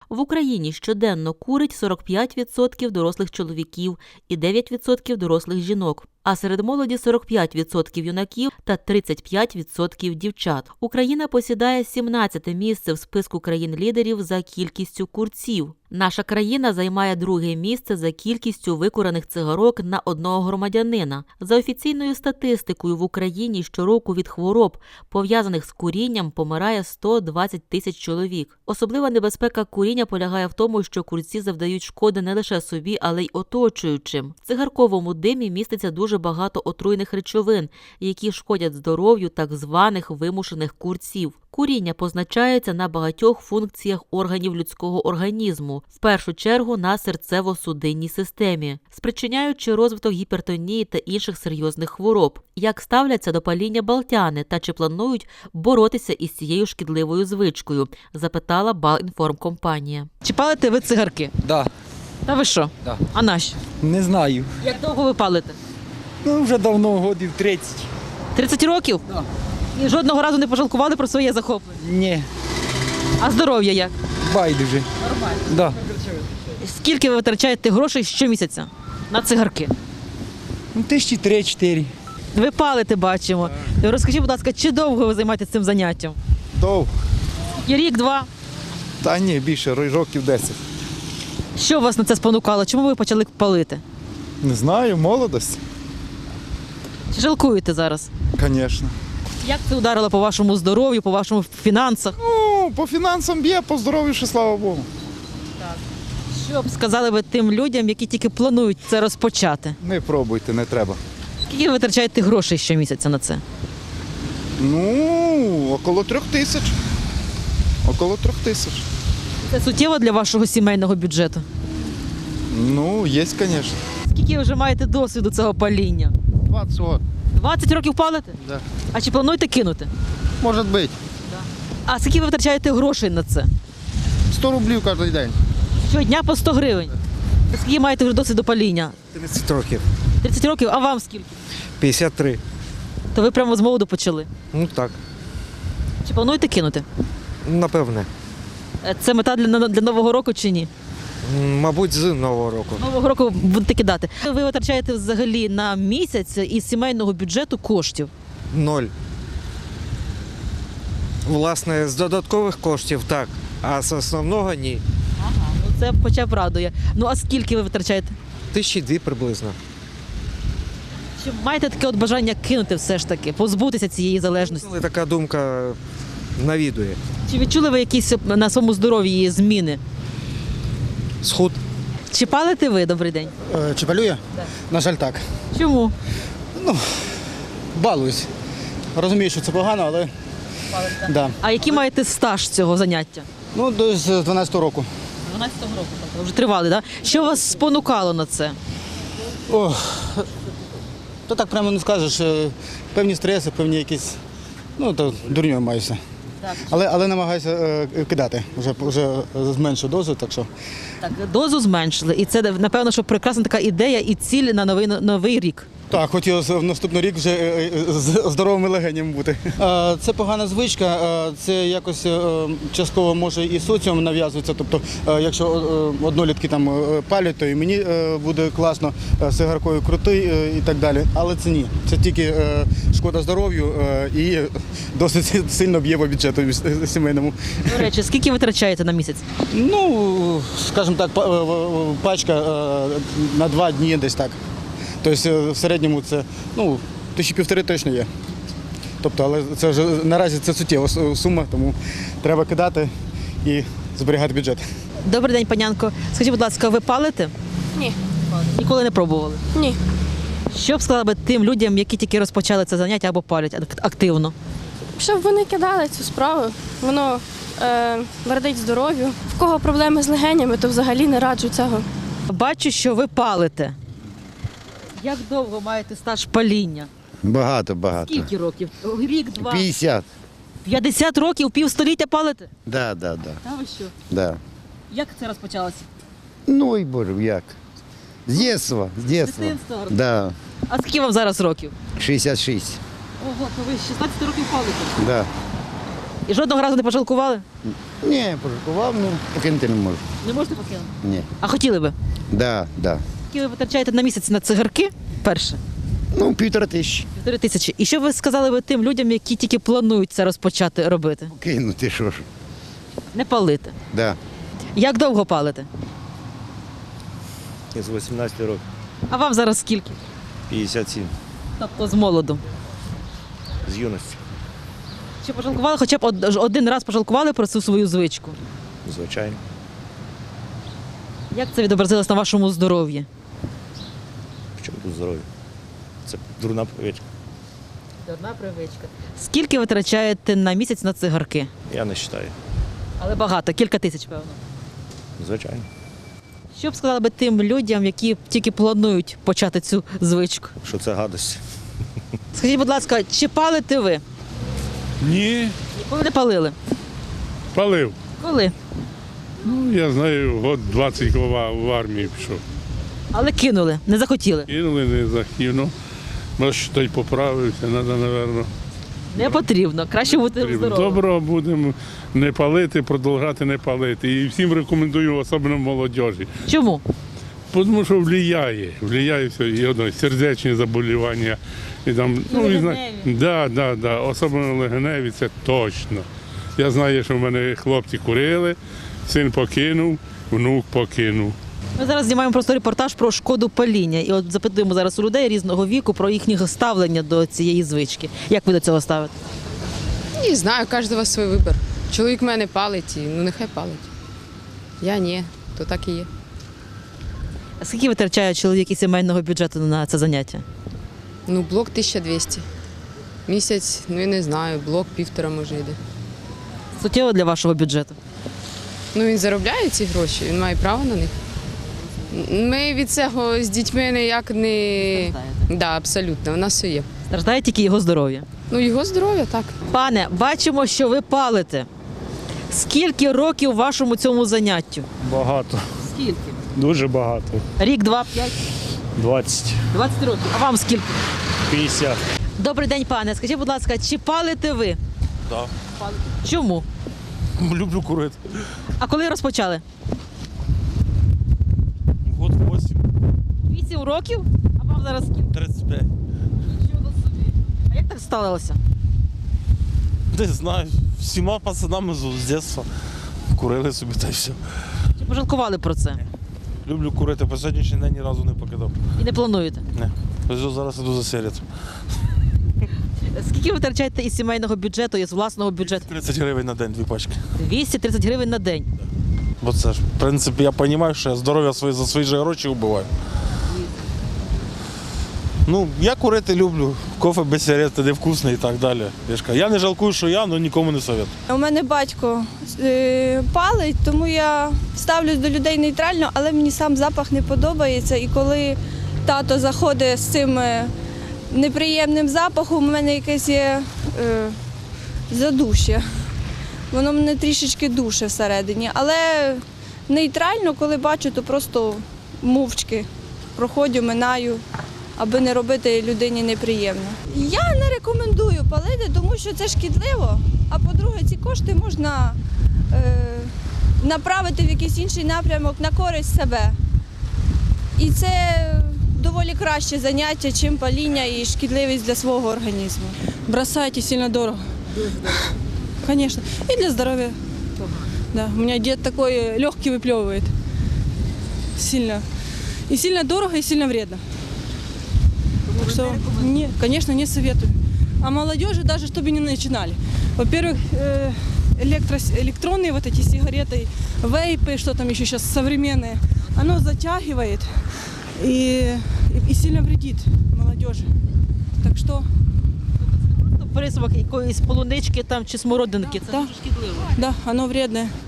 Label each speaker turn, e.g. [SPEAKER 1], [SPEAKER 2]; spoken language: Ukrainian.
[SPEAKER 1] В Україні щоденно курить 45% дорослих чоловіків і 9% дорослих жінок. А серед молоді 45% юнаків та 35% дівчат. Україна посідає 17-те місце в списку країн-лідерів за кількістю курців. Наша країна займає друге місце за кількістю викурених цигарок на одного громадянина. За офіційною статистикою в Україні щороку від хвороб, пов'язаних з курінням, помирає 120 тисяч чоловік. Особлива небезпека куріння полягає в тому, що курці завдають шкоди не лише собі, але й оточуючим. В цигарковому димі міститься дуже багато отруйних речовин, які шкодять здоров'ю так званих вимушених курців. Куріння позначається на багатьох функціях органів людського організму, в першу чергу на серцево-судинній системі, спричиняючи розвиток гіпертонії та інших серйозних хвороб. Як ставляться до паління балтяни та чи планують боротися із цією шкідливою звичкою, запитала Балінформкомпанія.
[SPEAKER 2] Чи палите ви цигарки?
[SPEAKER 3] Да.
[SPEAKER 2] Та ви що?
[SPEAKER 3] Да.
[SPEAKER 2] А нащо?
[SPEAKER 3] Не знаю.
[SPEAKER 2] Як довго ви палите?
[SPEAKER 3] Ну, вже давно, годів 30.
[SPEAKER 2] 30 років?
[SPEAKER 3] Да.
[SPEAKER 2] І жодного разу не пожалкували про своє захоплення?
[SPEAKER 3] Ні,
[SPEAKER 2] А здоров'я як?
[SPEAKER 3] байдуже.
[SPEAKER 2] Нормально.
[SPEAKER 3] Да.
[SPEAKER 2] Скільки ви витрачаєте грошей щомісяця на цигарки?
[SPEAKER 3] Ну, 3-4.
[SPEAKER 2] Ви палите, бачимо. Розкажіть, будь ласка, чи довго ви займаєтеся цим заняттям?
[SPEAKER 4] Довго.
[SPEAKER 2] І рік-два?
[SPEAKER 4] Та ні, більше, років 10.
[SPEAKER 2] Що вас на це спонукало? Чому ви почали палити?
[SPEAKER 4] Не знаю, молодость.
[SPEAKER 2] Чи жалкуєте зараз?
[SPEAKER 4] Звісно.
[SPEAKER 2] Як це ударило по вашому здоров'ю, по вашому фінансах?
[SPEAKER 4] Ну, по фінансам б'є, по здоров'ю ще, слава Богу.
[SPEAKER 2] Що б сказали ви тим людям, які тільки планують це розпочати?
[SPEAKER 4] Не пробуйте, не треба.
[SPEAKER 2] Скільки ви витрачаєте грошей щомісяця на це?
[SPEAKER 4] Ну, около 3 тисяч. Около 3 тисяч.
[SPEAKER 2] Це суттєво для вашого сімейного бюджету?
[SPEAKER 4] Ну, є, звісно.
[SPEAKER 2] Скільки ви вже маєте досвіду цього паління?
[SPEAKER 5] 20 років.
[SPEAKER 2] 20 років палите?
[SPEAKER 5] Да.
[SPEAKER 2] А чи плануєте кинути?
[SPEAKER 5] Може бути.
[SPEAKER 2] А скільки ви витрачаєте грошей на це?
[SPEAKER 5] 100 рублів кожен день.
[SPEAKER 2] Щодня по 100 гривень. Скільки маєте вже досвіду паління?
[SPEAKER 6] 30 років.
[SPEAKER 2] 30 років, а вам скільки?
[SPEAKER 6] 53.
[SPEAKER 2] То ви прямо з молоду почали.
[SPEAKER 6] Ну так,
[SPEAKER 2] Чи плануєте кинути?
[SPEAKER 6] напевне.
[SPEAKER 2] Це мета для Нового року чи ні?
[SPEAKER 6] Мабуть, з Нового року.
[SPEAKER 2] Нового року будете кидати. Ви витрачаєте взагалі на місяць із сімейного бюджету коштів?
[SPEAKER 6] 0. Власне, з додаткових коштів так, а з основного ні.
[SPEAKER 2] Ну це хоча б радує. Ну а скільки ви витрачаєте?
[SPEAKER 6] 1002 приблизно.
[SPEAKER 2] Чи маєте таке от бажання кинути все ж таки, позбутися цієї залежності?
[SPEAKER 6] Але така думка навідує.
[SPEAKER 2] Чи відчули ви якісь на своєму здоров'ї зміни?
[SPEAKER 6] Схуд.
[SPEAKER 2] Чи палите ви, добрий день?
[SPEAKER 5] Чи палює? На жаль, так.
[SPEAKER 2] Чому?
[SPEAKER 5] Балуюсь. Розумію, що це погано, але да.
[SPEAKER 2] А який маєте стаж цього заняття?
[SPEAKER 5] Ну, з 12-го року.
[SPEAKER 2] 12-го року, тобто вже тривали, так? Да? Що вас спонукало на це?
[SPEAKER 5] То так прямо не скажеш. Певні стреси, певні якісь, ну, то дурньою маюся.
[SPEAKER 2] Так.
[SPEAKER 5] Але намагаюся кидати. Вже зменшу дозу, так що.
[SPEAKER 2] Так, дозу зменшили, і це, напевно, що прекрасна така ідея і ціль на новий рік.
[SPEAKER 5] Так, хотів в наступний рік вже з здоровими легенями бути. Це погана звичка, це якось частково може і соціум нав'язується. Тобто, якщо однолітки там палять, то і мені буде класно, цигаркою крутий і так далі. Але це ні. Це тільки шкода здоров'ю і досить сильно б'є по бюджету сімейному.
[SPEAKER 2] До речі, скільки витрачаєте на місяць?
[SPEAKER 5] Ну, скажімо так, пачка на 2 дні десь так. Тобто в середньому це, ну, 1500 точно є. Тобто, але це вже наразі це суттєва сума, тому треба кидати і зберігати бюджет.
[SPEAKER 2] Добрий день, панянко. Скажіть, будь ласка, ви палите?
[SPEAKER 7] Ні.
[SPEAKER 2] Ніколи не пробували?
[SPEAKER 7] Ні.
[SPEAKER 2] Що б сказали би тим людям, які тільки розпочали це заняття або палять активно?
[SPEAKER 7] Щоб вони кидали цю справу, воно вредить здоров'ю. В кого проблеми з легенями, то взагалі не раджу цього.
[SPEAKER 2] Бачу, що ви палите. Як довго маєте стаж паління?
[SPEAKER 8] Багато.
[SPEAKER 2] Скільки років? Рік, два?
[SPEAKER 8] 50.
[SPEAKER 2] 50 років, півстоліття палите?
[SPEAKER 8] Да.
[SPEAKER 2] Та ви що?
[SPEAKER 8] Да.
[SPEAKER 2] Як це розпочалося?
[SPEAKER 8] Ну і боже, як? З дитинства.
[SPEAKER 2] Дитинства?
[SPEAKER 8] Да.
[SPEAKER 2] А скільки вам зараз років?
[SPEAKER 8] 66.
[SPEAKER 2] Ого, то ви з 16 років палите.
[SPEAKER 8] Да.
[SPEAKER 2] І жодного разу не пожалкували?
[SPEAKER 8] Ні, пожалкував, ну покинути не можу.
[SPEAKER 2] Не можете покинути?
[SPEAKER 8] Ні.
[SPEAKER 2] А хотіли би?
[SPEAKER 8] Да.
[SPEAKER 2] Скільки ви витрачаєте на місяць на цигарки? Перше.
[SPEAKER 8] Ну, 1500.
[SPEAKER 2] 4000. І що ви сказали би тим людям, які тільки планують це розпочати робити?
[SPEAKER 8] Покинути, що ж.
[SPEAKER 2] Не палити.
[SPEAKER 8] Да.
[SPEAKER 2] Як довго палите?
[SPEAKER 9] З 18 років.
[SPEAKER 2] А вам зараз скільки?
[SPEAKER 9] 57.
[SPEAKER 2] Тобто з молоду.
[SPEAKER 9] З юності.
[SPEAKER 2] Чи пожалкували, хоча б один раз пожалкували про цю свою звичку?
[SPEAKER 9] Звичайно.
[SPEAKER 2] Як це відобразилось на вашому здоров'ї?
[SPEAKER 9] В чому тут здоров'я? Це дурна привичка.
[SPEAKER 2] Одна привичка. Скільки витрачаєте на місяць на цигарки?
[SPEAKER 9] Я не вважаю.
[SPEAKER 2] Але багато, кілька тисяч, певно.
[SPEAKER 9] Звичайно.
[SPEAKER 2] Що б сказали би тим людям, які тільки планують почати цю звичку?
[SPEAKER 9] Що це гадость.
[SPEAKER 2] Скажіть, будь ласка, чи палите ви?
[SPEAKER 10] Ні,
[SPEAKER 2] Ніколи не палили?
[SPEAKER 10] палив.
[SPEAKER 2] Коли?
[SPEAKER 10] Ну, я знаю, год 20 в армії пішов.
[SPEAKER 2] Але кинули, не захотіли.
[SPEAKER 10] Кинули, не захотів. Ну, може, той поправився, треба, напевно.
[SPEAKER 2] Не потрібно, краще бути здоровим.
[SPEAKER 10] Доброго будемо не палити, продовжати не палити. І всім рекомендую, особливо молодіжі.
[SPEAKER 2] Чому?
[SPEAKER 10] Тому що впливає все, і одно, сердечні заболівання. І там, да, особливо легеневі, це точно. Я знаю, що в мене хлопці курили, син покинув, внук покинув.
[SPEAKER 2] Ми зараз знімаємо просто репортаж про шкоду паління. І от запитуємо зараз у людей різного віку про їхнє ставлення до цієї звички. Як ви до цього ставите?
[SPEAKER 11] Не знаю, у кожного свій вибір. Чоловік в мене палить, і, ну нехай палить. Я ні, то так і є.
[SPEAKER 2] А скільки витрачає чоловік із сімейного бюджету на це заняття?
[SPEAKER 11] Ну, блок 1200. Місяць, ну я не знаю, блок 1,5 може йде.
[SPEAKER 2] Суттєво для вашого бюджету?
[SPEAKER 11] Ну він заробляє ці гроші, він має право на них. Ми від цього з дітьми ніяк не... Да, абсолютно, у нас все є.
[SPEAKER 2] Страждає тільки його здоров'я.
[SPEAKER 11] Ну, його здоров'я, так.
[SPEAKER 2] Пане, бачимо, що ви палите. Скільки років вашому цьому заняттю?
[SPEAKER 9] Багато.
[SPEAKER 2] Скільки?
[SPEAKER 9] Дуже багато.
[SPEAKER 2] Рік, 2, 5?
[SPEAKER 9] 20.
[SPEAKER 2] 20 років. А вам скільки?
[SPEAKER 9] 50.
[SPEAKER 2] Добрий день, пане. Скажіть, будь ласка, чи палите ви?
[SPEAKER 9] Так.
[SPEAKER 2] Чому?
[SPEAKER 9] Люблю курити.
[SPEAKER 2] А коли розпочали?
[SPEAKER 9] Год 8.
[SPEAKER 2] 8 років? А вам зараз скільки?
[SPEAKER 9] 35.
[SPEAKER 2] Нічого собі. А як так сталося?
[SPEAKER 9] Не знаю. Всіма пацанами з дитинства курили собі та й все.
[SPEAKER 2] Чи пожалкували про це?
[SPEAKER 9] Люблю курити, по сьогоднішній день ні разу не покидав.
[SPEAKER 2] І не плануєте?
[SPEAKER 9] Не. Ось зараз іду за сигаретом.
[SPEAKER 2] Скільки ви витрачаєте із сімейного бюджету, із власного бюджету?
[SPEAKER 9] 30 гривень на день, 2 пачки.
[SPEAKER 2] 230 гривень на день.
[SPEAKER 9] Бо це ж, в принципі, я розумію, що я здоров'я своє за свої же гроші вбиваю. Ну, я курити люблю, кофе без сигарети, де вкусний і так далі. Я не жалкую, що я, але нікому не советую.
[SPEAKER 7] У мене батько палить, тому я ставлюсь до людей нейтрально, але мені сам запах не подобається. І коли тато заходить з цим неприємним запахом, у мене якесь є задушя. Воно мене трішечки душе всередині. Але нейтрально, коли бачу, то просто мовчки проходжу, минаю, аби не робити людині неприємно. Я не рекомендую палити, тому що це шкідливо. А по-друге, ці кошти можна направити в якийсь інший напрямок на користь себе. І це доволі краще заняття, чим паління і шкідливість для свого організму.
[SPEAKER 12] Бросайте, сильно дорого. Конечно. И для здоровья. Да. У меня дед такой легкий выплевывает. Сильно. И сильно дорого, и сильно вредно. Так что, не, конечно, не советую. А молодежи даже, чтобы не начинали. Во-первых, электронные вот эти сигареты, вейпы, что там еще сейчас современные, оно затягивает и сильно вредит молодежи. Так что...
[SPEAKER 2] Присмак якоїсь полунички там чи смородинки, це
[SPEAKER 12] Да.
[SPEAKER 2] дуже шкідливо.
[SPEAKER 12] Да, оно вредное.